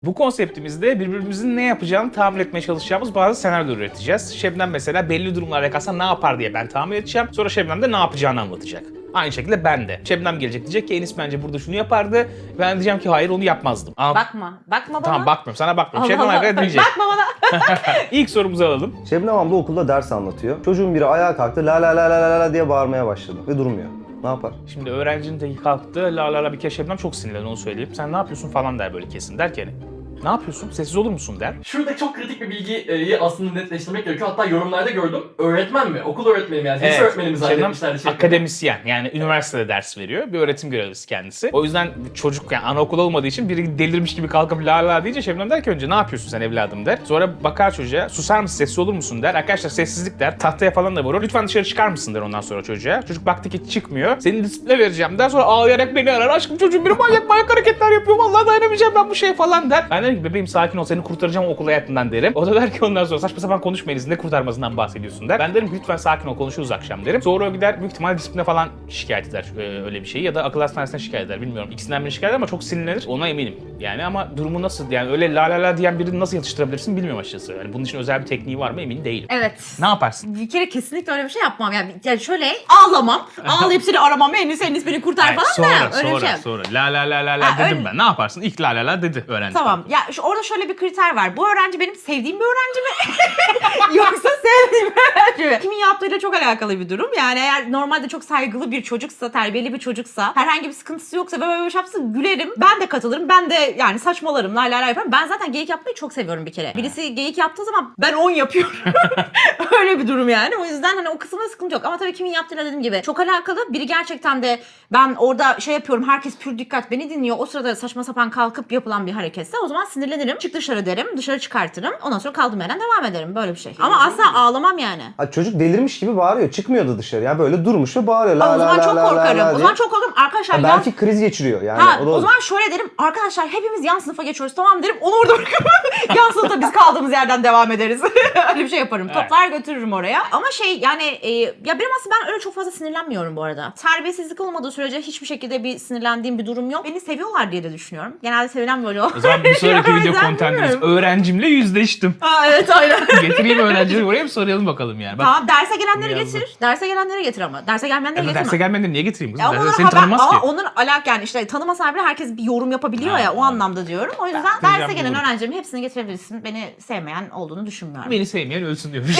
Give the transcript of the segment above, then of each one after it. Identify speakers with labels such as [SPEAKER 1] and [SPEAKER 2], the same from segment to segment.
[SPEAKER 1] Bu konseptimizde birbirimizin ne yapacağını tahmin etmeye çalışacağımız bazı senaryolar üreteceğiz. Şebnem mesela belli durumlarla kalsa ne yapar diye ben tahmin edeceğim. Sonra Şebnem de ne yapacağını anlatacak. Aynı şekilde ben de. Şebnem gelecek diyecek ki Enis bence burada şunu yapardı. Ben diyeceğim ki hayır onu yapmazdım.
[SPEAKER 2] Bakma bana.
[SPEAKER 1] Tamam bakmıyorum sana bakmıyorum. Şebnem
[SPEAKER 2] Allah
[SPEAKER 1] arkadaş
[SPEAKER 2] Allah.
[SPEAKER 1] diyecek.
[SPEAKER 2] Bakma bana.
[SPEAKER 1] İlk sorumuzu alalım.
[SPEAKER 3] Şebnem abla okulda ders anlatıyor. Çocuğun biri ayağa kalktı la la la la la la diye bağırmaya başladı ve durmuyor. Ne yapar?
[SPEAKER 1] Şimdi öğrencinin teki kalktı. La la la bir kere Şebnem çok sinirlendi onu söyleyeyim. Sen ne yapıyorsun falan der böyle kesin. Der ki hani, ne yapıyorsun? Sessiz olur musun der.
[SPEAKER 4] Şurada çok kritik bir bilgiyi aslında netleştirmek gerekiyor. Hatta yorumlarda gördüm. Öğretmen mi? Okul öğretmeni mi? Yani lise öğretmeni mi zannetmişlerdi?
[SPEAKER 1] Şebnem akademisyen yani üniversitede ders veriyor. Bir öğretim görevlisi kendisi. O yüzden çocuk yani anaokul olmadığı için biri delirmiş gibi kalkıp la la deyince Şebnem der ki önce ne yapıyorsun sen evladım der. Sonra bakar çocuğa susar mısın sessiz olur musun der. Arkadaşlar sessizlik der. Tahtaya falan da vurur. Lütfen dışarı çıkar mısın der ondan sonra çocuğa. Çocuk baktı ki çıkmıyor. Seni disipline vereceğim der. Sonra ağlayarak beni arar. Aşkım çocuğum biri manyak hareketler yapıyor. Vallahi dayanamayacağım ben bu şeye falan der. Ben derim ki bebeğim sakin ol seni kurtaracağım okul hayatından derim. O da der ki ondan sonra saçma sapan konuşmayınız ne kurtarmasından bahsediyorsun der. Ben derim ki lütfen sakin ol konuşuruz akşam derim. Sonra o gider büyük ihtimalle disipline falan şikayet eder öyle bir şeyi ya da akıl hastanesine şikayet eder bilmiyorum. İkisinden birini şikayet eder ama çok sinirlenir ona eminim. Yani ama durumu nasıl yani öyle la la la diyen birini nasıl yatıştırabilirsin bilmiyorum açıkçası. Yani bunun için özel bir tekniği var mı emin değilim.
[SPEAKER 2] Evet.
[SPEAKER 1] Ne yaparsın?
[SPEAKER 2] Bir kere kesinlikle öyle bir şey yapmam. Yani şöyle ağlamam. Ağlayıp seni aramam. Enis beni kurtar
[SPEAKER 1] Hayır,
[SPEAKER 2] falan da. Öyle bir şey.
[SPEAKER 1] sonra la la la la la
[SPEAKER 2] Ha,
[SPEAKER 1] dedim
[SPEAKER 2] öyle.
[SPEAKER 1] ben. Ne yaparsın? İlk la la la dedi öğrenci.
[SPEAKER 2] Tamam. Ya orada şöyle bir kriter var. Bu öğrenci benim sevdiğim bir öğrenci mi? Yoksa sevdiğim bir öğrenci mi? Kimin yaptığıyla çok alakalı bir durum. Yani eğer normalde çok saygılı bir çocuksa, terbiyeli bir çocuksa, herhangi bir sıkıntısı yoksa ve böyle bir şey yapsa gülerim. Ben de katılırım. Ben de yani saçmalarım. La la la yaparım. Ben zaten geyik yapmayı çok seviyorum bir kere. Birisi geyik yaptığı zaman ben 10 yapıyorum. Öyle bir durum yani. O yüzden hani o kısımda sıkıntı yok. Ama tabii kimin yaptığıyla dediğim gibi çok alakalı. Biri gerçekten de ben orada şey yapıyorum. Herkes pür dikkat beni dinliyor. O sırada saçma sapan kalkıp yapılan bir hareketse o zaman sinirlenirim. Çık dışarı derim. Dışarı çıkartırım. Ondan sonra kaldığım yerden devam ederim. Böyle bir şey. Ama asla ağlamam yani.
[SPEAKER 3] Ha, çocuk delirmiş gibi bağırıyor. Çıkmıyordu dışarı ya. Böyle durmuş ve bağırıyor. La
[SPEAKER 2] O
[SPEAKER 3] la
[SPEAKER 2] zaman
[SPEAKER 3] la
[SPEAKER 2] çok
[SPEAKER 3] la la
[SPEAKER 2] korkarım.
[SPEAKER 3] la
[SPEAKER 2] O
[SPEAKER 3] diye.
[SPEAKER 2] zaman çok korkarım. Arkadaşlar
[SPEAKER 3] Ha, belki kriz geçiriyor yani.
[SPEAKER 2] Ha,
[SPEAKER 3] O da
[SPEAKER 2] o
[SPEAKER 3] olur.
[SPEAKER 2] zaman şöyle derim. Arkadaşlar hepimiz yan sınıfa geçiyoruz tamam derim. Onu orada bırakıp yan sınıfta biz kaldığımız yerden devam ederiz. Öyle bir şey yaparım.
[SPEAKER 1] Evet.
[SPEAKER 2] Toplar götürürüm oraya. Ama şey yani ya benim aslında ben öyle çok fazla sinirlenmiyorum bu arada. Terbiyesizlik olmadığı sürece hiçbir şekilde bir sinirlendiğim bir durum yok. Beni seviyorlar diye de düşünüyorum. Genelde sevilen böyle o.
[SPEAKER 1] O zaman bir sonraki
[SPEAKER 2] O
[SPEAKER 1] video
[SPEAKER 2] yüzden
[SPEAKER 1] kontentimiz
[SPEAKER 2] bilmiyorum.
[SPEAKER 1] öğrencimle yüzleştim.
[SPEAKER 2] Aa, evet aynen.
[SPEAKER 1] Getireyim öğrencileri buraya bir soralım bakalım yani. Bak,
[SPEAKER 2] Tamam derse gelenleri
[SPEAKER 1] Yazdı.
[SPEAKER 2] getir. Derse gelenleri getir ama. Derse gelmeyenleri getirme.
[SPEAKER 1] derse gelmeden niye getireyim kızım?
[SPEAKER 2] Ya
[SPEAKER 1] Derse
[SPEAKER 2] onların
[SPEAKER 1] seni tanımaz ki.
[SPEAKER 2] Ama onların yani işte tanımasan bile herkes bir yorum yapabiliyor
[SPEAKER 1] Ha,
[SPEAKER 2] ya o
[SPEAKER 1] tamam.
[SPEAKER 2] anlamda diyorum. O yüzden
[SPEAKER 1] Yapacağım
[SPEAKER 2] derse gelen
[SPEAKER 1] doğru.
[SPEAKER 2] öğrencilerimin hepsini getirebilirsin. Beni sevmeyen olduğunu düşünmüyorum.
[SPEAKER 1] Beni sevmeyen ölsün diyormuş.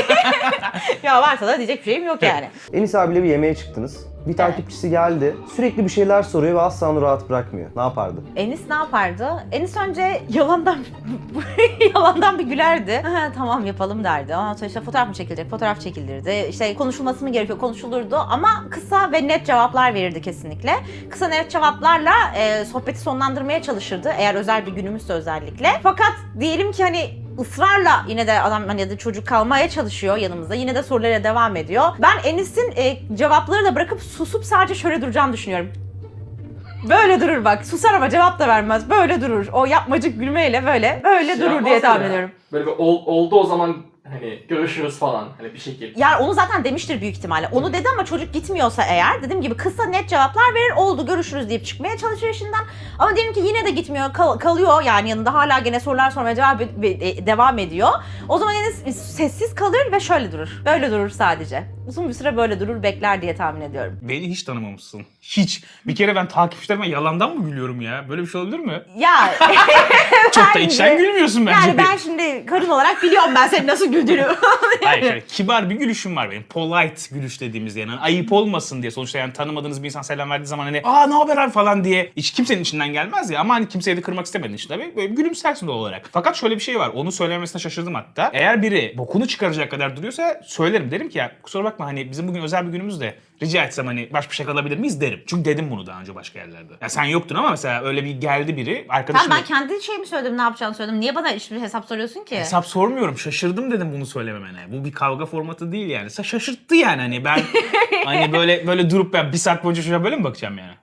[SPEAKER 2] Ya varsa da diyecek bir şeyim yok yani.
[SPEAKER 3] Enis abiyle bir yemeğe çıktınız. Bir takipçisi geldi. Sürekli bir şeyler soruyor ve asla onu rahat bırakmıyor. Ne yapardı?
[SPEAKER 2] Enis ne yapardı? Enis önce yalandan bir gülerdi. Ha, tamam yapalım derdi. Ondan sonra işte fotoğraf mı çekilecek? Fotoğraf çekilirdi. İşte konuşulması mı gerekiyor? Konuşulurdu. Ama kısa ve net cevaplar verirdi kesinlikle. Kısa net cevaplarla sohbeti sonlandırmaya çalışırdı. Eğer özel bir günümüzse özellikle. Fakat diyelim ki hani ısrarla yine de adam hani ya da çocuk kalmaya çalışıyor yanımızda. Yine de sorulara devam ediyor. Ben Enis'in cevapları da bırakıp susup sadece şöyle duracağını düşünüyorum. Böyle durur bak. Susar ama cevap da vermez. Böyle durur. O yapmacık gülmeyle böyle
[SPEAKER 4] Şey
[SPEAKER 2] durur
[SPEAKER 4] yapmaz
[SPEAKER 2] diye
[SPEAKER 4] mı
[SPEAKER 2] tahmin
[SPEAKER 4] ya?
[SPEAKER 2] ediyorum.
[SPEAKER 4] Böyle bir oldu o zaman hani görüşürüz falan hani bir şekilde.
[SPEAKER 2] Yani onu zaten demiştir büyük ihtimalle. Onu dedi ama çocuk gitmiyorsa eğer dediğim gibi kısa net cevaplar verir. Oldu görüşürüz deyip çıkmaya çalışır işinden. Ama diyelim ki yine de gitmiyor kalıyor yani yanında hala gene sorular sormaya devam ediyor. O zaman yine sessiz kalır ve şöyle durur. Böyle durur sadece. Uzun bir süre böyle durur bekler diye tahmin ediyorum.
[SPEAKER 1] Beni hiç tanımamışsın. Hiç. Bir kere ben takipçilerime yalandan mı gülüyorum ya? Böyle bir şey olabilir mi?
[SPEAKER 2] Ya
[SPEAKER 1] Çok da
[SPEAKER 2] bence-
[SPEAKER 1] içten gülmüyorsun bence.
[SPEAKER 2] Yani ben şimdi karın olarak biliyorum ben senin nasıl güldüğünü.
[SPEAKER 1] Hayır şöyle kibar bir gülüşüm var benim. Polite gülüş dediğimiz yani. Hani ayıp olmasın diye. Sonuçta yani tanımadığınız bir insan selam verdiği zaman hani ne haber abi falan diye hiç kimsenin içinden gelmez ya. Ama hani kimseyi de kırmak istemediğin için tabii böyle gülümsersin doğal olarak. Fakat şöyle bir şey var. Onu söylemesine şaşırdım hatta. Eğer biri bokunu çıkaracak kadar duruyorsa söylerim. Derim ki ya kusura bakma hani bizim bugün özel bir günümüz de rica etsem hani baş başa kalabilir miyiz derim. Çünkü dedim bunu daha önce başka yerlerde. Ya sen yoktun ama mesela öyle bir geldi biri arkadaşım.
[SPEAKER 2] Ben kendi şeyimi söyledim ne yapacağını söyledim. Niye bana hiçbir hesap soruyorsun ki?
[SPEAKER 1] Hesap sormuyorum. Şaşırdım dedim bunu söylememene. Bu bir kavga formatı değil yani. Şaşırttı yani hani ben hani böyle durup ben bir saat boyunca şuna böyle mi bakacağım yani?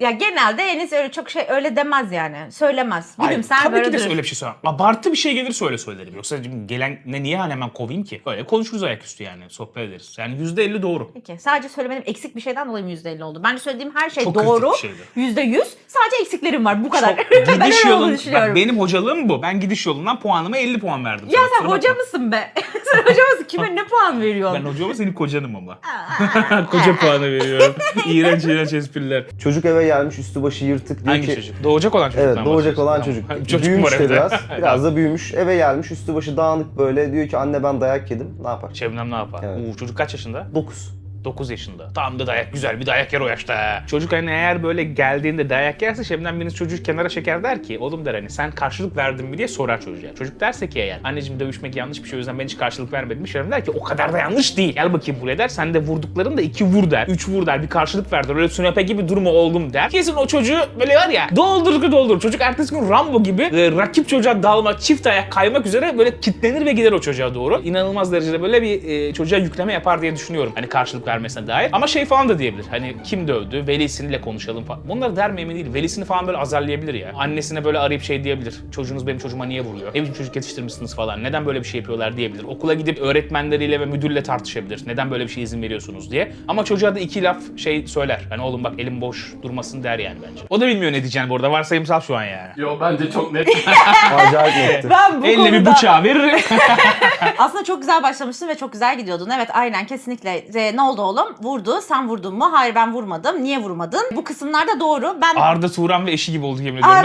[SPEAKER 2] Ya genelde Enis öyle çok şey öyle demez yani. Söylemez.
[SPEAKER 1] Hayır,
[SPEAKER 2] Gülümser
[SPEAKER 1] tabii
[SPEAKER 2] böyle
[SPEAKER 1] ki de
[SPEAKER 2] durur.
[SPEAKER 1] öyle bir şey söylemem. Abartı bir şey gelirse öyle söylerim. Yoksa gelen ne niye hemen kovayım ki? Öyle konuşuruz ayaküstü yani. Sohbet ederiz. Yani %50 doğru.
[SPEAKER 2] Peki sadece söylemedim eksik bir şeyden dolayı mı %50 oldu? Bence söylediğim her şey
[SPEAKER 1] Çok
[SPEAKER 2] doğru.
[SPEAKER 1] kritik bir şeydi.
[SPEAKER 2] %100. Sadece eksiklerim var bu kadar.
[SPEAKER 1] Çok,
[SPEAKER 2] Ben
[SPEAKER 1] gidiş
[SPEAKER 2] öyle olduğunu
[SPEAKER 1] yolun,
[SPEAKER 2] düşünüyorum.
[SPEAKER 1] bak benim hocalığım bu. Ben gidiş yolundan puanıma 50 puan verdim.
[SPEAKER 2] Ya
[SPEAKER 1] sana.
[SPEAKER 2] sen
[SPEAKER 1] Kusura
[SPEAKER 2] hoca
[SPEAKER 1] bakma.
[SPEAKER 2] mısın be? Sen hoca mısın? Kime ne puan veriyorsun?
[SPEAKER 1] Ben hoca ama senin kocanım ama. Koca puanı veriyorum. İğrenç espriler.
[SPEAKER 3] Çocuk eve gelmiş üstü başı yırtık diyor
[SPEAKER 1] Hangi
[SPEAKER 3] ki...
[SPEAKER 1] çocuk? Doğacak olan çocuktan
[SPEAKER 3] Evet, doğacak
[SPEAKER 1] bahsediyorsun.
[SPEAKER 3] olan
[SPEAKER 1] Tamam.
[SPEAKER 3] çocuk.
[SPEAKER 1] Çocuk
[SPEAKER 3] Büyümüş
[SPEAKER 1] var
[SPEAKER 3] de
[SPEAKER 1] evde.
[SPEAKER 3] biraz. Biraz da büyümüş. Eve gelmiş üstü başı dağınık böyle. Diyor ki anne ben dayak yedim. Ne yapar?
[SPEAKER 1] Şebnem ne yapar?
[SPEAKER 3] Evet.
[SPEAKER 1] Çocuk kaç yaşında?
[SPEAKER 3] 9.
[SPEAKER 1] 9 yaşında. Tam da dayak, güzel bir dayak yer o yaşta. ha. Çocuk hani eğer böyle geldiğinde dayak yerse Şebnem biriniz çocuğu kenara çeker der ki oğlum der hani sen karşılık verdin mi diye sorar çocuğa. Çocuk derse ki eğer anneciğim dövüşmek yanlış bir şey o yüzden ben hiç karşılık vermedim. Şebnem der ki o kadar da yanlış değil. Gel bakayım buraya der. Sen de vurdukların da 2 vur der. 3 vur der. Bir karşılık ver der. Öyle sünepe gibi durumu oldum der. Kesin o çocuğu böyle var ya doldur. Çocuk ertesi gün Rambo gibi rakip çocuğa dalmak, çift ayak kaymak üzere böyle kitlenir ve gider o çocuğa doğru. İnanılmaz derecede böyle bir çocuğa yükleme yapar diye düşünüyorum. Hani karşılık vermesine dair. Ama şey falan da diyebilir. Hani kim dövdü? Velisiyle konuşalım falan. Bunları der mi emin değilim. Velisini falan böyle azarlayabilir ya. Annesine böyle arayıp şey diyebilir. Çocuğunuz benim çocuğuma niye vuruyor? Ne biçim çocuk yetiştirmişsiniz falan. Neden böyle bir şey yapıyorlar diyebilir. Okula gidip öğretmenleriyle ve müdürle tartışabilir. Neden böyle bir şey izin veriyorsunuz diye. Ama çocuğa da 2 laf şey söyler. Hani oğlum bak elim boş durmasın der yani bence. O da bilmiyor ne diyeceğini bu arada. Varsayımsal şu an yani.
[SPEAKER 4] Yo bence çok net.
[SPEAKER 3] Acayip netti.
[SPEAKER 2] Ben bu
[SPEAKER 1] Elle bir
[SPEAKER 2] konuda...
[SPEAKER 1] bıçağı veririm.
[SPEAKER 2] Aslında çok güzel başlamıştın ve çok güzel gidiyordun. Evet aynen kesinlikle. Ne oldu oğlum? Vurdu. Sen vurdun mu? Hayır ben vurmadım. Niye vurmadın? Bu kısımlarda doğru. Ben
[SPEAKER 1] Arda Turan ve eşi gibi oldu yemin ediyorum.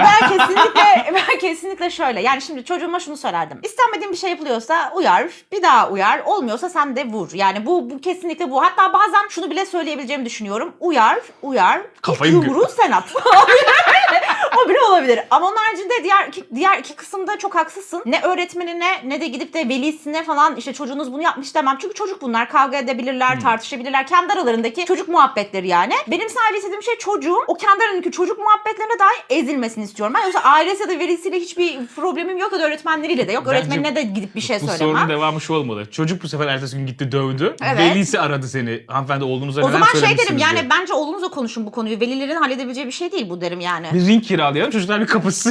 [SPEAKER 2] ben kesinlikle şöyle. Yani şimdi çocuğuma şunu söylerdim. İstenmediğin bir şey yapılıyorsa uyar, bir daha uyar. Olmuyorsa sen de vur. Yani bu kesinlikle bu. Hatta bazen şunu bile söyleyebileceğimi düşünüyorum. Uyar.
[SPEAKER 1] Kafayı
[SPEAKER 2] İlk yumruğu sen at. O bile olabilir. Ama onun haricinde diğer iki kısımda çok haksızsın. Ne öğretmenine ne de gidip de velisine falan işte çocuğunuz bunu yapmış demem. Çünkü çocuk bunlar. Kavga edebilirler, tartışabilirler. Kendi aralarındaki çocuk muhabbetleri yani. Benim sadece istediğim şey çocuğun o kendi aralarındaki çocuk muhabbetlerine dahi ezilmesini istiyorum. Ben yoksa ailesi ya da velisiyle hiçbir problemim yok ya da öğretmenleriyle de yok.
[SPEAKER 1] Bence
[SPEAKER 2] Öğretmenine de gidip bir şey
[SPEAKER 1] Bu sorunun
[SPEAKER 2] söylemem.
[SPEAKER 1] devamı şu olmalı. Çocuk bu sefer ertesi gün gitti dövdü.
[SPEAKER 2] Evet.
[SPEAKER 1] Velisi aradı seni. Hanımefendi oğlunuza
[SPEAKER 2] O
[SPEAKER 1] neler
[SPEAKER 2] zaman şey derim
[SPEAKER 1] söylemişsiniz
[SPEAKER 2] yani
[SPEAKER 1] diye.
[SPEAKER 2] bence oğlunuzla konuşun bu konuyu. Velilerin halledebileceği bir şey değil bu derim yani.
[SPEAKER 1] Bir ring kiralayalım. Çocuklar bir kapışsın.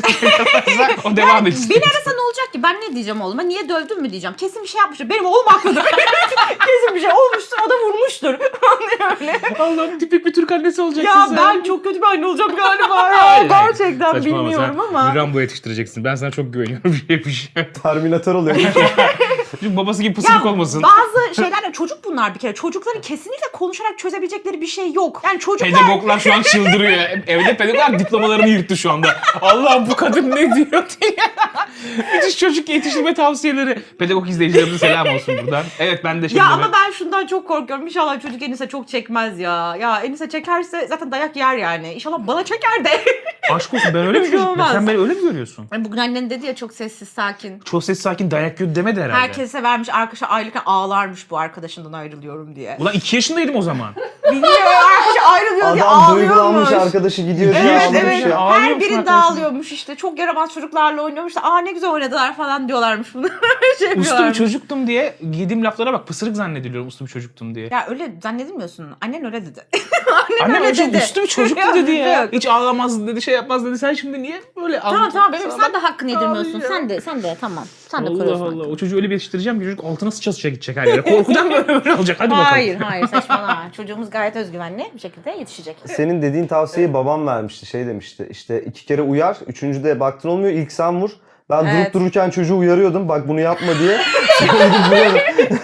[SPEAKER 1] O devam etsin.
[SPEAKER 2] Beni arasa ne olacak ki? Ben ne diyeceğim oğluma? Niye dövdün mü diyeceğim. Kesin bir şey yapmıştır. Benim oğlum haklıdır. Kesin bir şey olmuştur. O da vurmuştur. Öyle.
[SPEAKER 1] Allah'ım tipik bir Türk annesi olacaksın
[SPEAKER 2] Ya
[SPEAKER 1] sen.
[SPEAKER 2] ben çok kötü bir anne olacağım galiba ya.
[SPEAKER 1] Hayır,
[SPEAKER 2] Gerçekten
[SPEAKER 1] saçmalama,
[SPEAKER 2] bilmiyorum
[SPEAKER 1] sen
[SPEAKER 2] ama.
[SPEAKER 1] Rambo yetiştireceksin. Ben sana çok güveniyorum. Bir şey.
[SPEAKER 3] Terminator oluyor.
[SPEAKER 1] Çünkü babası gibi pısırık olmasın.
[SPEAKER 2] Bazı şeyler çocuk bunlar bir kere. Çocukların kesinlikle konuşarak çözebilecekleri bir şey yok. Yani çocuklar...
[SPEAKER 1] Pedagoglar şu an çıldırıyor. Evde pedagoglar diplomalarını yırttı şu anda. Allah'ım bu kadın ne diyor diye. Müthiş çocuk yetiştirme tavsiyeleri. Pedagog izleyicilerimize selam olsun buradan. Evet ben de şimdi...
[SPEAKER 2] Ya ama ben şundan çok korkuyorum. İnşallah çocuk Enis'e çok çekmez ya. Ya Enis'e çekerse zaten dayak yer yani. İnşallah bana çeker de.
[SPEAKER 1] Aşk olsun ben öyle mi
[SPEAKER 2] Bir şey
[SPEAKER 1] görüyorum?
[SPEAKER 2] olmaz.
[SPEAKER 1] Sen beni öyle mi görüyorsun?
[SPEAKER 2] Bugün annen dedi ya çok sessiz sakin.
[SPEAKER 1] Çok ses sakin dayak yiyor demedi herhalde.
[SPEAKER 2] Herkese vermiş arkadaşa ayrılırken ağlarmış bu arkadaşından ayrılıyorum diye.
[SPEAKER 1] Ulan 2 yaşındaydım o zaman.
[SPEAKER 2] Bilmiyorum arkadaşa ayrılıyor diye
[SPEAKER 3] Adam duygulanmış
[SPEAKER 2] ağlıyormuş.
[SPEAKER 3] arkadaşı gidiyor diye
[SPEAKER 2] Evet
[SPEAKER 3] ağlamış
[SPEAKER 2] evet.
[SPEAKER 3] ya.
[SPEAKER 1] Ağlıyormuş
[SPEAKER 2] Her biri
[SPEAKER 1] arkadaşım.
[SPEAKER 2] dağılıyormuş işte. Çok yaramaz çocuklarla oynuyormuş da aa ne güzel oynadılar falan diyorlarmış bunu. Şey
[SPEAKER 1] Uslu bir
[SPEAKER 2] yapıyorlarmış.
[SPEAKER 1] çocuktum diye yediğim laflara bak. Pısırık zannediliyorum uslu bir çocuktum diye.
[SPEAKER 2] Ya öyle zannedilmiyorsun. Annen öyle dedi.
[SPEAKER 1] Annem
[SPEAKER 2] öyle
[SPEAKER 1] öyle
[SPEAKER 2] dedi.
[SPEAKER 1] uslu bir çocuktu
[SPEAKER 2] Yok,
[SPEAKER 1] dedi ya.
[SPEAKER 2] yok.
[SPEAKER 1] Hiç ağlamaz dedi, şey yapmaz dedi. Sen şimdi niye böyle
[SPEAKER 2] Tamam bebeğim sen de hakkını yedirmiyorsun.
[SPEAKER 1] Ağlıyor.
[SPEAKER 2] Sen de tamam. Sen de
[SPEAKER 1] Allah
[SPEAKER 2] koruyorsun.
[SPEAKER 1] Allah. O çocuğu öyle bir yetiştireceğim ki çocuk altına sıça gidecek her yere. Korkudan böyle olacak. Hadi bakalım.
[SPEAKER 2] Hayır saçmalama. Çocuğumuz gayet özgüvenli bir şekilde yetişecek.
[SPEAKER 3] Senin dediğin tavsiyeyi babam vermişti. Şey demişti. İşte 2 kere uyar. 3. baktın olmuyor. İlk sen vur. Ben
[SPEAKER 2] Evet.
[SPEAKER 3] durup dururken çocuğu uyarıyordum. Bak bunu yapma diye. Sonra gidip vuruyordum.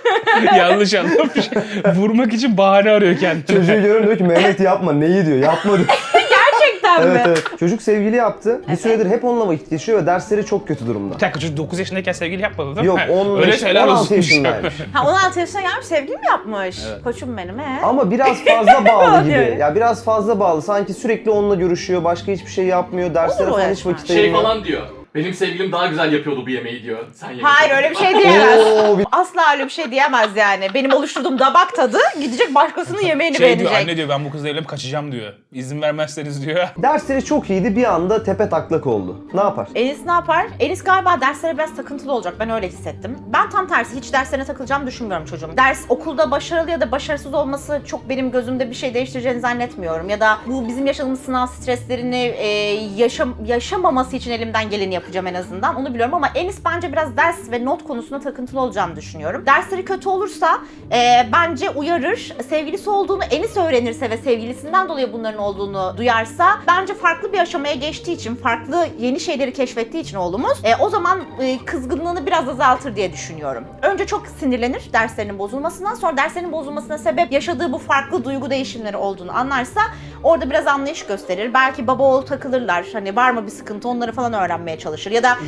[SPEAKER 1] Yanlış anlamış. Vurmak için bahane arıyor kendine.
[SPEAKER 3] Çocuğu görüyorum diyor ki Mehmet yapma. Neyi diyor. Yapma diyor.
[SPEAKER 2] Gerçekten mi?
[SPEAKER 3] Evet. Çocuk sevgili yaptı. Bir süredir hep onunla vakit geçiriyor ve dersleri çok kötü durumda.
[SPEAKER 1] Bir dakika çocuk 9 yaşındayken sevgili yapmadı değil
[SPEAKER 3] Yok
[SPEAKER 1] mi?
[SPEAKER 3] 15,
[SPEAKER 1] Öyle şeyler
[SPEAKER 3] 16
[SPEAKER 1] olsun.
[SPEAKER 3] yaşındaymış.
[SPEAKER 2] Ha 16 yaşına gelmiş sevgili mi yapmış? Koçum benim
[SPEAKER 3] Ama biraz fazla bağlı gibi.
[SPEAKER 2] Evet.
[SPEAKER 3] Ya biraz fazla bağlı. Sanki sürekli onunla görüşüyor. Başka hiçbir şey yapmıyor. Derslere
[SPEAKER 2] Olur o
[SPEAKER 3] falan hiç
[SPEAKER 2] yaşlar.
[SPEAKER 3] vakit
[SPEAKER 4] Şey
[SPEAKER 3] ayırmıyor.
[SPEAKER 4] falan diyor. Benim sevgilim daha güzel yapıyordu bu yemeği diyor. Sen yemek
[SPEAKER 2] Hayır
[SPEAKER 4] yap.
[SPEAKER 2] öyle bir şey diyemez.
[SPEAKER 3] Oo,
[SPEAKER 2] Asla öyle bir şey diyemez yani. Benim oluşturduğum damak tadı gidecek başkasının yemeğini
[SPEAKER 1] Şey diyor,
[SPEAKER 2] beğenecek.
[SPEAKER 1] anne diyor ben bu kızla evlenip kaçacağım diyor. İzin vermezseniz diyor.
[SPEAKER 3] Dersleri çok iyiydi, bir anda tepe taklak oldu. Ne yapar?
[SPEAKER 2] Enis ne yapar? Enis galiba derslere biraz takıntılı olacak. Ben öyle hissettim. Ben tam tersi hiç derslerine takılacağımı düşünmüyorum çocuğum. Ders okulda başarılı ya da başarısız olması çok benim gözümde bir şey değiştireceğini zannetmiyorum. Ya da bu bizim yaşadığımız sınav streslerini yaşamaması için elimden geleni yapacağım en azından. Onu biliyorum ama Enis bence biraz ders ve not konusunda takıntılı olacağını düşünüyorum. Dersleri kötü olursa bence uyarır. Sevgilisi olduğunu Enis öğrenirse ve sevgilisinden dolayı bunların olduğunu duyarsa bence farklı bir aşamaya geçtiği için, farklı yeni şeyleri keşfettiği için oğlumuz o zaman kızgınlığını biraz azaltır diye düşünüyorum. Önce çok sinirlenir derslerinin bozulmasından, sonra derslerinin bozulmasına sebep yaşadığı bu farklı duygu değişimleri olduğunu anlarsa orada biraz anlayış gösterir. Belki baba oğul takılırlar. Hani var mı bir sıkıntı onları falan öğrenmeye çalışır. Ya da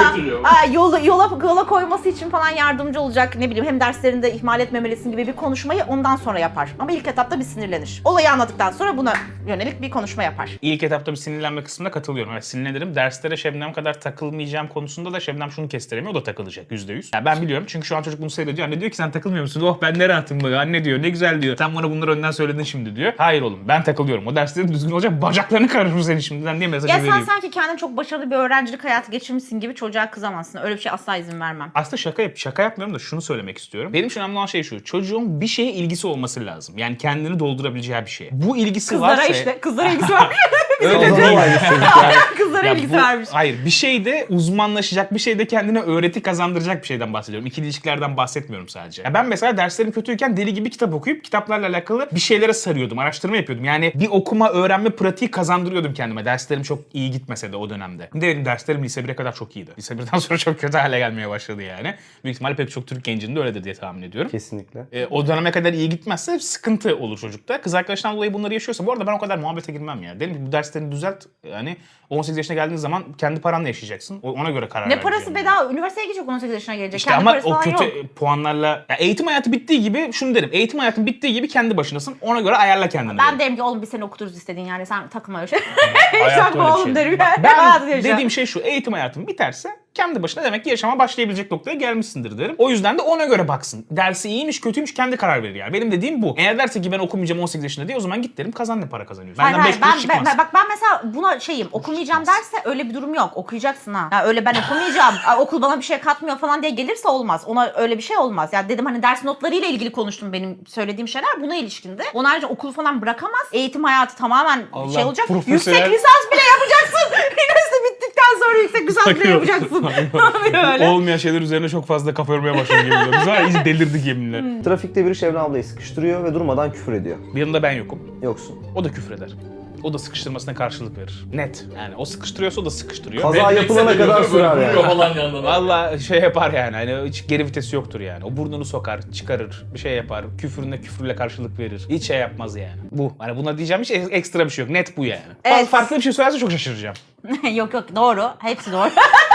[SPEAKER 2] yola koyması için falan yardımcı olacak. Ne bileyim hem derslerinde ihmal etmemelisin gibi bir konuşmayı ondan sonra yapar. Ama ilk etapta bir sinirlenir. Olayı anladıktan sonra buna yönelik bir konuşma yapar.
[SPEAKER 1] İlk etapta bir sinirlenme kısmında katılıyorum. Evet, sinirlenirim. Derslere Şebnem kadar takılmayacağım konusunda da Şebnem şunu kestiremiyor. O da takılacak %100. Yani ben biliyorum çünkü şu an çocuk bunu seyrediyor. Anne diyor ki sen takılmıyor musun? Oh ben ne rahatım böyle. Anne diyor ne güzel diyor. Sen bana bunları önden söyledin şimdi diyor. Hayır oğlum ben takılıyorum. O derslerin düzgün olacak. Bacaklarını karışır senin şimdiden diye mesajı
[SPEAKER 2] Ya sen
[SPEAKER 1] vereyim.
[SPEAKER 2] sanki kendin çok başarılı bir öğrencilik hayatı geçirmişsin gibi çocuğa kızamazsın. Öyle bir şey asla izin vermem.
[SPEAKER 1] Aslında şaka yapmıyorum da şunu söylemek istiyorum. Benim için önemli olan şey şu. Çocuğun bir şeye ilgisi olması lazım. Yani kendini doldurabileceği bir şey. Bu ilgisi
[SPEAKER 2] Kızlara
[SPEAKER 1] varsa...
[SPEAKER 2] işte. Kızlara ilgisi var.
[SPEAKER 1] Öyle
[SPEAKER 3] O zaman
[SPEAKER 1] değil.
[SPEAKER 3] aynı çocuk yani.
[SPEAKER 2] Kızlara
[SPEAKER 1] Ya
[SPEAKER 2] ilgisi
[SPEAKER 1] bu-
[SPEAKER 2] varmış.
[SPEAKER 1] Hayır bir şeyde uzmanlaşacak, bir şeyde kendine öğreti kazandıracak bir şeyden bahsediyorum. İkili ilişkilerden bahsetmiyorum sadece. Ya ben mesela derslerim kötüyken deli gibi kitap okuyup kitaplarla alakalı bir şeylere sarıyordum, araştırma yapıyordum. Yani bir okuma, öğrenme pratiği kazandırıyordum kendime. Derslerim çok iyi gitmese de o dönemde. Benim derslerim lise 1'e kadar çok iyiydi. Lise 1'den sonra çok kötü hale gelmeye başladı yani. Büyük ihtimalle pek çok Türk gencinin de öyledir diye tahmin ediyorum.
[SPEAKER 3] Kesinlikle.
[SPEAKER 1] O döneme kadar iyi gitmezse sıkıntı olur çocukta. Kız arkadaşından dolayı bunları yaşıyorsa bu arada ben o kadar muhabbete girmem ya. Dedim ki bu derslerini düzelt. Yani 18 yaşına geldiğin zaman kendi paranla yaşayacaksın. Ona göre karar
[SPEAKER 2] Ne
[SPEAKER 1] ver
[SPEAKER 2] parası
[SPEAKER 1] yani.
[SPEAKER 2] bedava? Üniversiteye gidecek 18 yaşına gelecek.
[SPEAKER 1] İşte
[SPEAKER 2] Kendi
[SPEAKER 1] ama
[SPEAKER 2] parası
[SPEAKER 1] o
[SPEAKER 2] falan
[SPEAKER 1] kötü
[SPEAKER 2] yok.
[SPEAKER 1] puanlarla... Ya eğitim hayatı bittiği gibi şunu derim. Eğitim hayatın bittiği gibi kendi başınasın. Ona göre ayarla kendini.
[SPEAKER 2] Ben derim ki oğlum bir sene okuturuz istediğin yani sen takılma öyle şey.
[SPEAKER 1] Hayatta
[SPEAKER 2] Takma
[SPEAKER 1] öyle bir
[SPEAKER 2] oğlum
[SPEAKER 1] şey
[SPEAKER 2] derim.
[SPEAKER 1] değil. Bak,
[SPEAKER 2] Hayatı
[SPEAKER 1] ben
[SPEAKER 2] yaşa.
[SPEAKER 1] dediğim şey şu. Eğitim hayatın biterse kendi başına demek ki yaşama başlayabilecek noktaya gelmişsindir derim. O yüzden de ona göre baksın. Dersi iyiymiş kötüymüş kendi karar verir yani. Benim dediğim bu. Eğer derse ki ben okumayacağım 18 yaşında diye o zaman git derim kazan ne para kazanıyorsun.
[SPEAKER 2] Hayır,
[SPEAKER 1] Benden 5 kuruş çıkmaz.
[SPEAKER 2] ben mesela buna şeyim okumayacağım derse öyle bir durum yok. Okuyacaksın ha. Ya öyle ben okumayacağım. Okul bana bir şey katmıyor falan diye gelirse olmaz. Ona öyle bir şey olmaz. Ya dedim hani ders notlarıyla ilgili konuştum benim söylediğim şeyler buna ilişkindi. Onun harici okulu falan bırakamaz. Eğitim hayatı tamamen
[SPEAKER 1] Allah,
[SPEAKER 2] şey olacak.
[SPEAKER 1] profesyonel-
[SPEAKER 2] Yüksek lisans bile yapacaksın. Üniversite bittikten sonra yüksek lisans bile yapacaksın. Öyle.
[SPEAKER 1] Olmayan şeyler üzerine çok fazla kafa yormaya başladım yeminle. Biz var ya iyice delirdik yeminle.
[SPEAKER 3] Trafikte biri Şebnem ablayı sıkıştırıyor ve durmadan küfür ediyor.
[SPEAKER 1] Bir yanında ben yokum.
[SPEAKER 3] Yoksun.
[SPEAKER 1] O da küfür eder. O da sıkıştırmasına karşılık verir. Net. Yani o sıkıştırıyorsa o da sıkıştırıyor.
[SPEAKER 3] Kaza
[SPEAKER 1] Ve
[SPEAKER 3] yapılana kadar sürer yani.
[SPEAKER 4] Falan yandan.
[SPEAKER 1] valla şey yapar yani. Hani hiç geri vitesi yoktur yani. O burnunu sokar, çıkarır, bir şey yapar. Küfürüne küfürle karşılık verir. Hiç şey yapmaz yani. Bu. Hani buna diyeceğim hiç ekstra bir şey yok. Net bu yani.
[SPEAKER 2] Evet.
[SPEAKER 1] Farklı bir şey söylerse çok şaşıracağım.
[SPEAKER 2] Yok doğru. Hepsi doğru.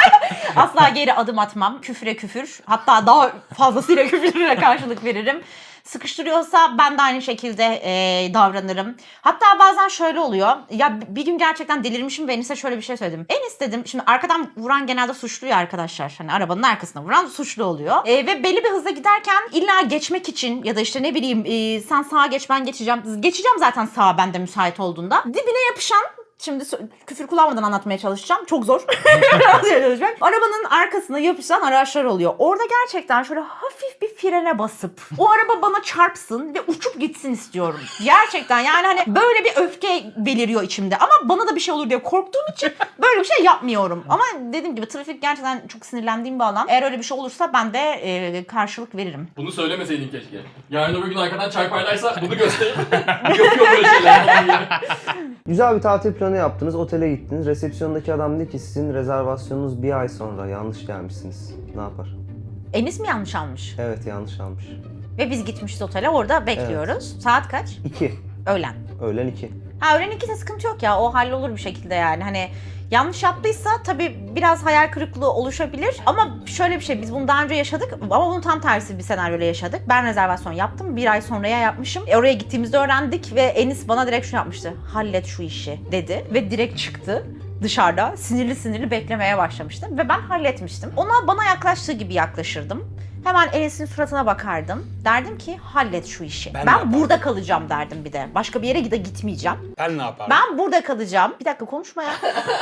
[SPEAKER 2] Asla geri adım atmam. Küfre küfür. Hatta daha fazlasıyla küfürle karşılık veririm. Sıkıştırıyorsa ben de aynı şekilde davranırım. Hatta bazen şöyle oluyor. Ya bir gün gerçekten delirmişim ve Enis'e şöyle bir şey söyledim. Enis dedim, şimdi arkadan vuran genelde suçlu ya arkadaşlar. Hani arabanın arkasına vuran suçlu oluyor. Ve belli bir hızla giderken illa geçmek için ya da işte ne bileyim sen sağa geç ben geçeceğim. Geçeceğim zaten sağa ben de müsait olduğunda. Dibine yapışan, şimdi küfür kullanmadan anlatmaya çalışacağım. Çok zor. Arabanın arkasına yapışan araçlar oluyor. Orada gerçekten şöyle hafif bir frene basıp o araba bana çarpsın ve uçup gitsin istiyorum. Gerçekten yani hani böyle bir öfke beliriyor içimde. Ama bana da bir şey olur diye korktuğum için böyle bir şey yapmıyorum. Ama dediğim gibi trafik gerçekten çok sinirlendiğim bir alan. Eğer öyle bir şey olursa ben de karşılık veririm.
[SPEAKER 4] Bunu söylemeseydin keşke. Yarın öbür gün arkadan çarparlarsa bunu gösterip yapıyor böyle şeyler falan gibi.
[SPEAKER 3] Güzel bir tatil planı yaptınız, otele gittiniz. Resepsiyondaki adam dedi ki sizin rezervasyonunuz bir ay sonra yanlış gelmişsiniz. Ne yapar?
[SPEAKER 2] Enis mi yanlış almış?
[SPEAKER 3] Evet yanlış almış.
[SPEAKER 2] Ve biz gitmişiz otele, orada bekliyoruz. Saat kaç?
[SPEAKER 3] 2.
[SPEAKER 2] Öğlen.
[SPEAKER 3] Öğlen 2.
[SPEAKER 2] Ha öğlen 2'de sıkıntı yok ya, o hallolur bir şekilde yani. Hani yanlış yaptıysa tabii biraz hayal kırıklığı oluşabilir. Ama şöyle bir şey, biz bunu daha önce yaşadık ama bunun tam tersi bir senaryoyla yaşadık. Ben rezervasyon yaptım, bir ay sonraya yapmışım. Oraya gittiğimizde öğrendik ve Enis bana direkt şunu yapmıştı. Hallet şu işi dedi ve direkt çıktı. dışarıda sinirli sinirli beklemeye başlamıştım ve ben halletmiştim. Ona bana yaklaştığı gibi yaklaşırdım. Hemen Enes'in suratına bakardım. Derdim ki hallet şu işi.
[SPEAKER 1] Ben ne
[SPEAKER 2] Ben
[SPEAKER 1] yapardım?
[SPEAKER 2] burada kalacağım derdim bir de. Başka bir yere gitmeyeceğim.
[SPEAKER 1] Ben ne yapardım?
[SPEAKER 2] Ben burada kalacağım. Bir dakika konuşma ya.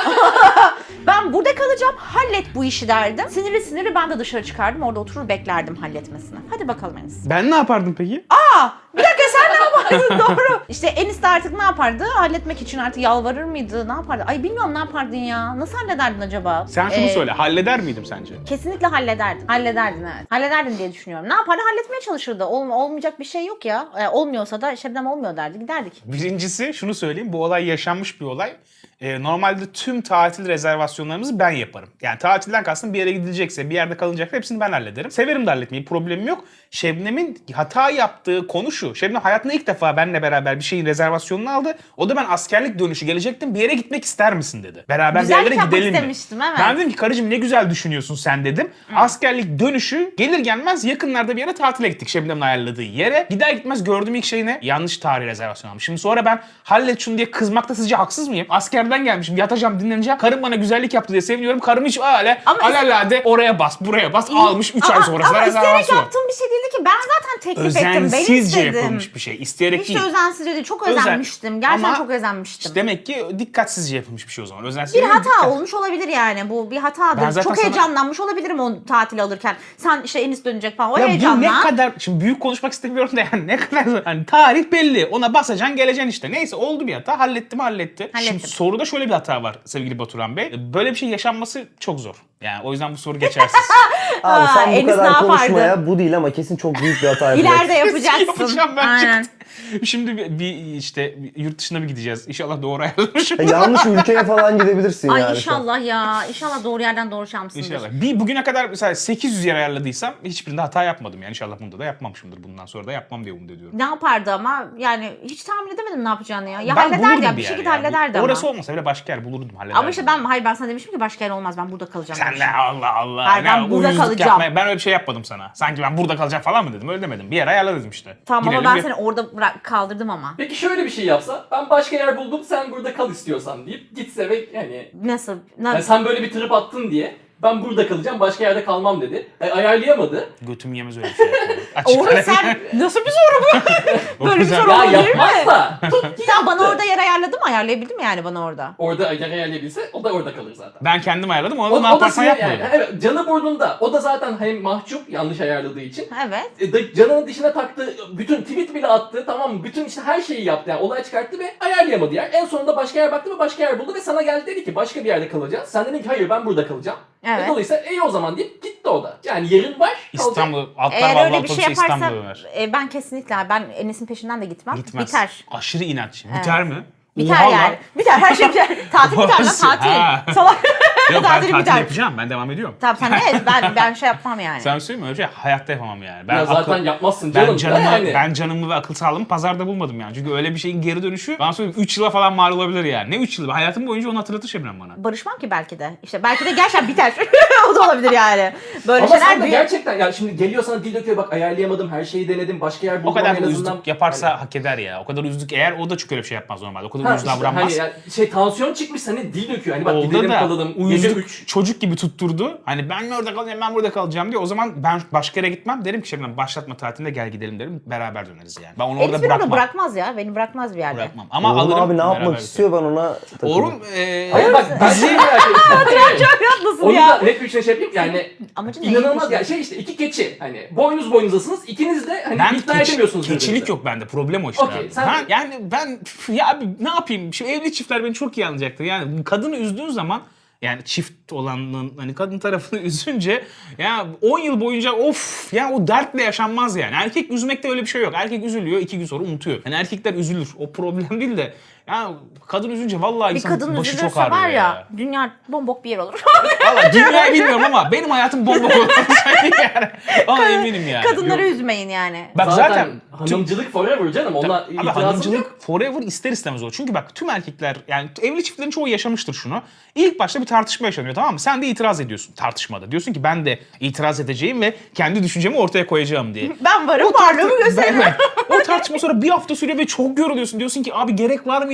[SPEAKER 2] Ben burada kalacağım. Hallet bu işi derdim. Sinirli sinirli ben de dışarı çıkardım. Orada oturur beklerdim halletmesini. Hadi bakalım Enes.
[SPEAKER 1] Ben ne yapardım peki?
[SPEAKER 2] Bir dakika sen ne yapardın? Doğru. İşte Enis de artık ne yapardı? Halletmek için artık yalvarır mıydı? Ne yapardı? Ay bilmiyorum ne yapardın ya. Nasıl hallederdin acaba?
[SPEAKER 1] Sen şunu söyle, halleder miydim sence?
[SPEAKER 2] Kesinlikle hallederdin. Hallederdin evet. Hallederdin diye düşünüyorum. Ne yapardı? Halletmeye çalışırdı. Olmayacak bir şey yok ya. Olmuyorsa da Şebnem olmuyor derdi. Giderdik.
[SPEAKER 1] Birincisi şunu söyleyeyim, bu olay yaşanmış bir olay. Normalde tüm tatil rezervasyonlarımızı ben yaparım. Yani tatilden kastım bir yere gidilecekse, bir yerde kalınacaksa hepsini ben hallederim. Severim de halletmeyi, problemim yok. Şebnem'in hata yaptığı konu şu. Şebnem hayatında ilk defa benimle beraber bir şeyin rezervasyonunu aldı. O da ben askerlik dönüşü gelecektim, bir yere gitmek ister misin dedi. Beraber bir
[SPEAKER 2] Güzellik
[SPEAKER 1] yerlere
[SPEAKER 2] yapmak
[SPEAKER 1] gidelim mi?
[SPEAKER 2] istemiştim, evet.
[SPEAKER 1] Ben dedim ki karıcığım ne güzel düşünüyorsun sen dedim. Askerlik dönüşü gelir gelmez yakınlarda bir yere tatile gittik Şebnem'in ayarladığı yere. Gider gitmez gördüğüm ilk şey ne? Yanlış tarih rezervasyon almış. Şimdi sonra ben hallet şunu diye kızmakta sizce haksız mıyım? Askerden gelmişim, yatacağım, dinleneceğim. Karım bana güzellik yaptı diye seviniyorum. Karım hiç öyle
[SPEAKER 2] Ama
[SPEAKER 1] alelade oraya bas, buraya bas almış 3 ay sonrasında
[SPEAKER 2] Ama isteyerek
[SPEAKER 1] rezervasyon.
[SPEAKER 2] yaptığım bir şey değildi ki. Ben zaten teklif ettim. Ben
[SPEAKER 1] Özensizce
[SPEAKER 2] istedim.
[SPEAKER 1] yapılmış bir şey. İsteyerek
[SPEAKER 2] Hiç
[SPEAKER 1] değil.
[SPEAKER 2] de özensizce değil. Çok
[SPEAKER 1] Özen-
[SPEAKER 2] özenmiştim. Gerçekten
[SPEAKER 1] Ama
[SPEAKER 2] çok özenmiştim.
[SPEAKER 1] İşte demek ki dikkatsizce yapılmış bir şey o zaman. Özensiz
[SPEAKER 2] Bir
[SPEAKER 1] değil,
[SPEAKER 2] hata
[SPEAKER 1] dikkat.
[SPEAKER 2] olmuş olabilir yani. Bu bir
[SPEAKER 1] Ben
[SPEAKER 2] hatadır.
[SPEAKER 1] zaten
[SPEAKER 2] Çok
[SPEAKER 1] sana-
[SPEAKER 2] heyecanlanmış olabilirim o tatil alırken. Sen işte Enis dönecek falan. O
[SPEAKER 1] Ya bu
[SPEAKER 2] heyecanla.
[SPEAKER 1] ne kadar, şimdi büyük konuşmak istemiyorum da yani ne kadar, hani tarih belli, ona basacaksın geleceksin işte. Neyse oldu bir hata, halletti.
[SPEAKER 2] Hallettim.
[SPEAKER 1] Şimdi soruda şöyle bir hata var sevgili Baturan Bey. Böyle bir şey yaşanması çok zor. Yani o yüzden bu soru geçersiz.
[SPEAKER 3] Abi sen bu
[SPEAKER 2] Enis ne
[SPEAKER 3] kadar
[SPEAKER 2] yapardı?
[SPEAKER 3] konuşmaya bu değil ama kesin çok büyük bir hata yapacaksın.
[SPEAKER 2] İleride yapacaksın.
[SPEAKER 1] Yapacağım ben.
[SPEAKER 2] Aynen.
[SPEAKER 1] Şimdi bir işte yurt dışına bir gideceğiz. İnşallah doğru ayarlamışım.
[SPEAKER 3] Yanlış ülkeye falan gidebilirsin
[SPEAKER 2] Ay
[SPEAKER 3] yani.
[SPEAKER 2] inşallah ya. İnşallah doğru yerden doğru şamsındır.
[SPEAKER 1] İnşallah. Bugüne kadar mesela 800 yer ayarladıysam hiçbirinde hata yapmadım. Yani inşallah bunda da yapmamışımdır. Bundan sonra da yapmam diye umut ediyorum.
[SPEAKER 2] Ne yapardı ama yani hiç tahmin edemedim ne yapacağını ya. Ya
[SPEAKER 1] Ben
[SPEAKER 2] hallederdi
[SPEAKER 1] bulurdum
[SPEAKER 2] ya bir
[SPEAKER 1] yer
[SPEAKER 2] şekilde
[SPEAKER 1] ya.
[SPEAKER 2] hallederdi ama.
[SPEAKER 1] Orası olmasa bile başka yer bulurdum, hallederdim.
[SPEAKER 2] Ama işte ben sana demiştim ki başka yer olmaz ben burada kalacağım.
[SPEAKER 1] Sen
[SPEAKER 2] demiştim.
[SPEAKER 1] ne Allah Allah.
[SPEAKER 2] Hayır, ben
[SPEAKER 1] ne
[SPEAKER 2] burada
[SPEAKER 1] uyuzluk
[SPEAKER 2] kalacağım.
[SPEAKER 1] yapmaya- ben öyle bir şey yapmadım sana. Sanki ben burada kalacağım falan mı dedim? Öyle demedim. Bir yer ayarla dedim işte.
[SPEAKER 2] Tamam
[SPEAKER 1] Gidelim
[SPEAKER 2] ama ben
[SPEAKER 1] bir-
[SPEAKER 2] seni orada kaldırdım ama.
[SPEAKER 4] Peki şöyle bir şey yapsa, ben başka yer buldum sen burada kal istiyorsan deyip gitse ve yani
[SPEAKER 2] Nasıl?
[SPEAKER 4] yani sen böyle bir trip attın diye ben burada kalacağım başka yerde kalmam dedi. Ayarlayamadı.
[SPEAKER 1] Götüm yemez öyle bir şey. Açık
[SPEAKER 2] Oğlum
[SPEAKER 1] ara-
[SPEAKER 2] sen nasıl bir soru bu? Böyle bir
[SPEAKER 1] güzel.
[SPEAKER 2] soru
[SPEAKER 4] Ya
[SPEAKER 2] olabilir mi?
[SPEAKER 4] yapmaz da tut ki
[SPEAKER 2] Sen bana
[SPEAKER 4] yaptı.
[SPEAKER 2] orada yer ayarladın mı? Ayarlayabildim mi yani bana orada?
[SPEAKER 4] Orada yer ayarlayabilse o da orada kalır zaten.
[SPEAKER 1] Ben kendim ayarladım. Onu da
[SPEAKER 4] O
[SPEAKER 1] ne yaparsan
[SPEAKER 4] sinir
[SPEAKER 1] yapma.
[SPEAKER 4] yani. Evet, canı burnunda. O da zaten hem mahcup yanlış ayarladığı için.
[SPEAKER 2] Evet.
[SPEAKER 4] Canının dişine taktı, bütün tweet bile attı, tamam mı? Bütün işte her şeyi yaptı yani olay çıkarttı ve ayarlayamadı yer. En sonunda başka yer baktı ve başka yer buldu ve sana geldi dedi ki başka bir yerde kalacağız. Sen dedin ki hayır ben burada kalacağım.
[SPEAKER 2] Evet.
[SPEAKER 4] Dolayısıyla iyi o zaman deyip gitti o da. Yani yerin var. kalacak.
[SPEAKER 1] İstanbul, atlar
[SPEAKER 2] Eğer
[SPEAKER 1] vallahi
[SPEAKER 2] öyle bir şey
[SPEAKER 1] otobüse
[SPEAKER 2] yaparsa
[SPEAKER 1] İstanbul'a döner.
[SPEAKER 2] ben kesinlikle ben Enes'in peşinden de gitmem.
[SPEAKER 1] Gitmez.
[SPEAKER 2] Biter.
[SPEAKER 1] Aşırı inatçı.
[SPEAKER 2] Evet.
[SPEAKER 1] Biter mi?
[SPEAKER 2] Biter
[SPEAKER 1] Oha lan.
[SPEAKER 2] yani. Biter her şey biter. Tatil biter lan
[SPEAKER 1] Nasıl? Ha.
[SPEAKER 2] tatil. Salak.
[SPEAKER 1] Yok ben
[SPEAKER 2] Tatil
[SPEAKER 1] tatil
[SPEAKER 2] biter.
[SPEAKER 1] yapacağım. Ben devam ediyorum.
[SPEAKER 2] Tamam sen ne? Ben şey yapmam yani.
[SPEAKER 1] Sen söyleyeyim mi? Öyle bir şey hayatta yapamam yani. Ben
[SPEAKER 4] Ya zaten
[SPEAKER 1] akıl-
[SPEAKER 4] yapmazsın canım.
[SPEAKER 1] Ben canımı,
[SPEAKER 4] yani.
[SPEAKER 1] ben canımı ve akıl sağlığımı pazarda bulmadım yani. Çünkü öyle bir şeyin geri dönüşü bana söyleyeyim 3 yıla falan mal olabilir yani. Ne 3 yılı? Hayatım boyunca onu hatırlatır Şebnem bana.
[SPEAKER 2] Barışmam ki belki de. İşte belki de gerçekten biter. O da olabilir yani. Böyle
[SPEAKER 4] Ama
[SPEAKER 2] şeyler
[SPEAKER 4] sen de gerçekten ya şimdi geliyor sana dil döküyor bak ayarlayamadım her şeyi denedim başka yer buldum
[SPEAKER 1] O kadar
[SPEAKER 4] en
[SPEAKER 1] da
[SPEAKER 4] azından.
[SPEAKER 1] üzdük yaparsa hak eder ya. O kadar üzdük eğer o da çok öyle bir şey yapmaz normalde. O kadar
[SPEAKER 4] Ha,
[SPEAKER 1] üzdü
[SPEAKER 4] işte
[SPEAKER 1] davranmaz.
[SPEAKER 4] hani ya şey tansiyon çıkmış hani dil döküyor hani bak
[SPEAKER 1] Oldu
[SPEAKER 4] gidelim
[SPEAKER 1] da
[SPEAKER 4] kalalım gece
[SPEAKER 1] uyuzluk
[SPEAKER 4] 3.
[SPEAKER 1] çocuk gibi tutturdu. Hani ben mi orada kalacağım ben burada kalacağım diye. O zaman ben başka yere gitmem. Derim ki Şebnem başlatma tatilinde gel gidelim derim. Beraber döneriz yani. Ben onu orada
[SPEAKER 2] Enes beni
[SPEAKER 1] bırakmam.
[SPEAKER 2] bırakmaz ya. Beni bırakmaz bir yerde.
[SPEAKER 1] Bırakmam. Ama
[SPEAKER 3] Oğlum
[SPEAKER 1] alırım.
[SPEAKER 3] abi ne
[SPEAKER 1] beraber
[SPEAKER 3] yapmak istiyor ben ona takılırım.
[SPEAKER 1] Oğlum
[SPEAKER 4] Hayır bak ben şey merak ettim.
[SPEAKER 2] Çok haklısın
[SPEAKER 4] Onu
[SPEAKER 2] ya.
[SPEAKER 4] da net bir şey yapayım yani
[SPEAKER 2] Amacın ne?
[SPEAKER 4] inanılmaz ya şey işte iki keçi hani boynuz boynuzasınız ikiniz de hani
[SPEAKER 1] ben
[SPEAKER 4] ikna edemiyorsunuz
[SPEAKER 1] keçilik
[SPEAKER 4] birbirinizi.
[SPEAKER 1] yok bende. Problem o işte.
[SPEAKER 4] Okey,
[SPEAKER 1] abi.
[SPEAKER 4] sen-
[SPEAKER 1] Ben ya abi ne yapayım? Şu evli çiftler beni çok iyi anlayacaktır. Yani kadını üzdüğün zaman yani çift olanın hani kadın tarafını üzünce ya 10 yıl boyunca of ya o dertle yaşanmaz yani. Erkek üzmekte öyle bir şey yok. Erkek üzülüyor 2 gün sonra unutuyor. Yani erkekler üzülür. O problem değil de ya kadın üzünce vallahi
[SPEAKER 2] Bir
[SPEAKER 1] insanın
[SPEAKER 2] kadın
[SPEAKER 1] başı çok
[SPEAKER 2] üzülürse
[SPEAKER 1] ağrıyor
[SPEAKER 2] var
[SPEAKER 1] ya.
[SPEAKER 2] ya dünya bombok bir yer olur.
[SPEAKER 1] Valla dünyayı bilmiyorum ama benim hayatım bomba olur. yani. Ona eminim yani.
[SPEAKER 2] Kadınları
[SPEAKER 1] Yok.
[SPEAKER 2] üzmeyin yani.
[SPEAKER 1] Bak
[SPEAKER 4] Zaten,
[SPEAKER 1] zaten
[SPEAKER 4] hanımcılık forever canım ona
[SPEAKER 1] Abi
[SPEAKER 4] itirazım yok.
[SPEAKER 1] hanımcılık forever ister istemez o. Çünkü bak tüm erkekler yani evli çiftlerin çoğu yaşamıştır şunu. İlk başta bir tartışma yaşanıyor tamam mı? Sen de itiraz ediyorsun tartışmada. Diyorsun ki ben de itiraz edeceğim ve kendi düşüncemi ortaya koyacağım diye.
[SPEAKER 2] Ben varım varlığımı gösteririm.
[SPEAKER 1] Evet. O tartışma sonra bir hafta sürüyor ve çok yoruluyorsun. Diyorsun ki abi gerek var mıydı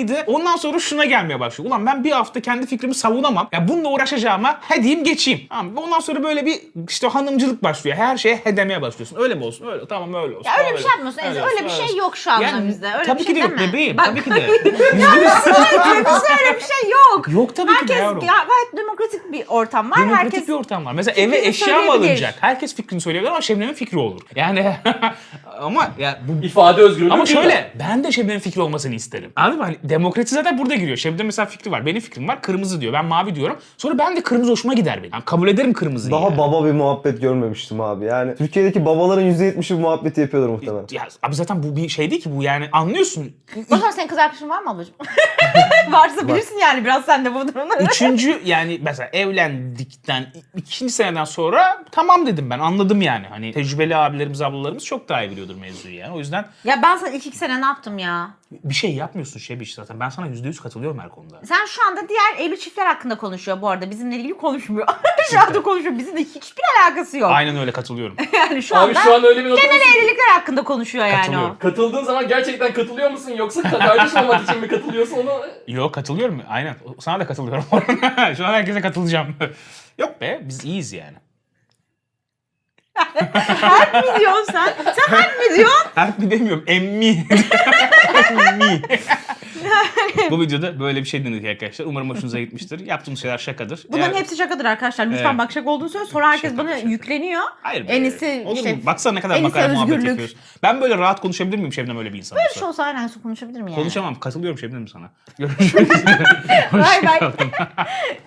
[SPEAKER 1] mıydı? Ondan sonra şuna gelmeye başlıyor. Ulan ben bir hafta kendi fikrimi savunamam. Ya bununla uğraşacağıma he diyeyim geçeyim. Tamam. Ondan sonra böyle bir işte hanımcılık başlıyor. Her şeye he demeye başlıyorsun. Öyle mi olsun? Öyle. Tamam öyle olsun.
[SPEAKER 2] Ya öyle bir
[SPEAKER 1] Öyle.
[SPEAKER 2] şey yapmıyorsun. Öyle bir şey yok şu anda
[SPEAKER 1] Yani,
[SPEAKER 2] bizde. Öyle
[SPEAKER 1] tabii
[SPEAKER 2] bir
[SPEAKER 1] ki
[SPEAKER 2] şey
[SPEAKER 1] de yok
[SPEAKER 2] deme.
[SPEAKER 1] bebeğim.
[SPEAKER 2] Bak,
[SPEAKER 1] Tabii ki de.
[SPEAKER 2] bizde öyle bir şey yok.
[SPEAKER 1] Yok tabii ki de
[SPEAKER 2] Herkes
[SPEAKER 1] yavrum.
[SPEAKER 2] gayet demokratik bir ortam var.
[SPEAKER 1] Demokratik
[SPEAKER 2] Herkes
[SPEAKER 1] bir ortam var. Mesela eve
[SPEAKER 2] fikrini
[SPEAKER 1] eşya mı
[SPEAKER 2] söyleyebilir.
[SPEAKER 1] alınacak? Herkes fikrini söyleyebilir ama Şebnem'in fikri olur. Yani ama ya bu
[SPEAKER 4] İfade özgürlüğü.
[SPEAKER 1] ama
[SPEAKER 4] değil mi?
[SPEAKER 1] şöyle ben de Şebnem'in fikri olmasını isterim. Anladın mı? Hani demokrasi zaten burada giriyor. Şebnem mesela fikri var. Benim fikrim var. Kırmızı diyor. Ben mavi diyorum. Sonra ben de kırmızı hoşuma gider benim. Yani kabul ederim kırmızıyı.
[SPEAKER 3] Daha
[SPEAKER 1] yani.
[SPEAKER 3] baba bir muhabbet görmemiştim abi. Yani Türkiye'deki babaların %70'i bu muhabbeti yapıyordur muhtemelen.
[SPEAKER 1] Ya abi zaten bu bir şey değil ki bu yani anlıyorsun.
[SPEAKER 2] O zaman senin kız arkadaşın var mı ablacığım? Varsa bilirsin yani biraz sen de bu durumları.
[SPEAKER 1] Üçüncü yani mesela evlendikten ikinci seneden sonra tamam dedim ben anladım yani. Hani tecrübeli abilerimiz ablalarımız çok daha iyi biliyordur mevzuyu yani. O yüzden
[SPEAKER 2] Ya ben sana ilk 2 sene ne yaptım ya?
[SPEAKER 1] bir şey yapmıyorsun Şebiş zaten. Ben sana %100 katılıyorum her konuda.
[SPEAKER 2] Sen şu anda diğer evli çiftler hakkında konuşuyor bu arada. Bizimle ilgili konuşmuyor. Şu anda konuşuyor. Bizimle hiçbir alakası yok.
[SPEAKER 1] Aynen öyle katılıyorum.
[SPEAKER 2] Yani şu
[SPEAKER 4] Abi
[SPEAKER 2] anda
[SPEAKER 4] şu an öyle bir nokta.
[SPEAKER 2] genel evlilikler hakkında konuşuyor yani o.
[SPEAKER 1] Katılıyorum.
[SPEAKER 4] Katıldığın zaman gerçekten katılıyor musun yoksa kardeş olmak için mi katılıyorsun onu?
[SPEAKER 1] Yok katılıyorum. Aynen. Sana da katılıyorum. Şu an herkese katılacağım. Yok be biz iyiyiz yani.
[SPEAKER 2] Harp mi diyorsun sen? Sen harp mi diyorsun?
[SPEAKER 1] Harp mi demiyorum. Emmi. Emmi. Bu videoda böyle bir şey denedik arkadaşlar. Umarım hoşunuza gitmiştir. Yaptığımız şeyler şakadır.
[SPEAKER 2] Bunların
[SPEAKER 1] Eğer-
[SPEAKER 2] hepsi şakadır arkadaşlar. Lütfen
[SPEAKER 1] Evet.
[SPEAKER 2] bak şaka olduğunu söyle. Sonra herkes
[SPEAKER 1] Şaka,
[SPEAKER 2] bana
[SPEAKER 1] şaka.
[SPEAKER 2] yükleniyor.
[SPEAKER 1] Hayır be.
[SPEAKER 2] En iyisi
[SPEAKER 1] Olur
[SPEAKER 2] işte.
[SPEAKER 1] mu? Baksana ne kadar
[SPEAKER 2] en iyisi
[SPEAKER 1] makara muhabbet
[SPEAKER 2] özgürlük.
[SPEAKER 1] yapıyoruz. Ben böyle rahat konuşabilir miyim Şebnem öyle bir insan
[SPEAKER 2] Böyle bir
[SPEAKER 1] olsa?
[SPEAKER 2] şey olsa aynen konuşabilir mi yani?
[SPEAKER 1] Konuşamam. Katılıyorum Şebnem sana. Görüşmek üzere.
[SPEAKER 2] Bay bay.
[SPEAKER 1] Hoşçakalın.